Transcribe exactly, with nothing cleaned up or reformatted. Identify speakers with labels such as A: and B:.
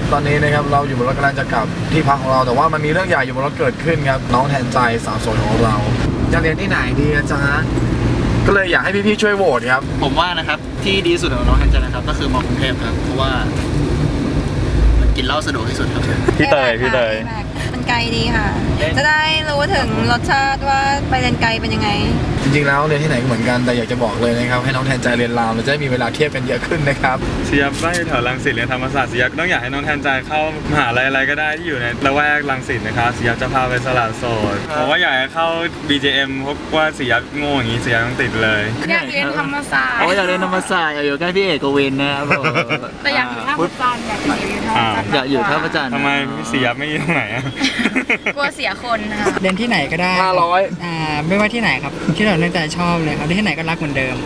A: ตอนนี้นะครับเราอยู่บนรถกำลังจะกลับที่พักของเราแต่ว่ามันมีเรื่องใหญ่อยู่บนรถเกิดขึ้นครับน้องแทนใจสาวสวยของเราจะเรียนที่ไหนดีอาจารย์ก็เลยอยากให้พี่ๆช่วยโหวตครับ
B: ผมว่านะครับที่ดีที่สุดของน้องแทนใจนะครับก็คือมอกรุงเทพครับเพราะว่ามันกินเหล้าสะดวกที่สุดครับ
C: พี่เตยพี่เตย
D: มันไกลดีค่ะจะได้รู้ถึงรสชาติว่าไปเรียนไกลเป็นยังไง
A: จริงๆแล้วเรียนที่ไหนก็เหมือนกันแต่อยากจะบอกเลยนะครับให้น้องแทนใจเรียนรามเราจะได้มีเวลาเทียบกันเยอะขึ้นนะครับ
C: เสียบบ้านอยู่แถวรังสิตเรียนธรรมศาสตร์เสียบต้องอยากให้น้องแทนใจเข้ามหาลัยอะไรก็ได้ที่อยู่ในละแวกรังสิตนะครับเสียบจะพาไปสละโสดผมว่าอยากให้เข้า บี เจ เอ็ม เพราะว่าเสียบโง่อย่างนี้เสียบต้องติดเลย
D: อยากเรียนธรรมศาสตร์
B: โอ้อยากเรียนธรรมศาสตร์อยากอยู่ใกล้พี่เอกวินนะครับ
D: แต่อยากอยู่ท่าพระจันทร์อยากอยู่ท่าพระจันทร์
B: อยากอยู่ท่าพระจันทร์
C: ทำไมเสียบไม่อยู่ตรงไหนอะ
D: กลัวเสียคนค่ะ
E: เรียนที่ไหนก็ได้
A: ห้าร้อย
E: อ่าไม่ว่าที่ไหนครับที่เราตั้งใจชอบเลยครับที่ไหนก็รักเหมือนเดิม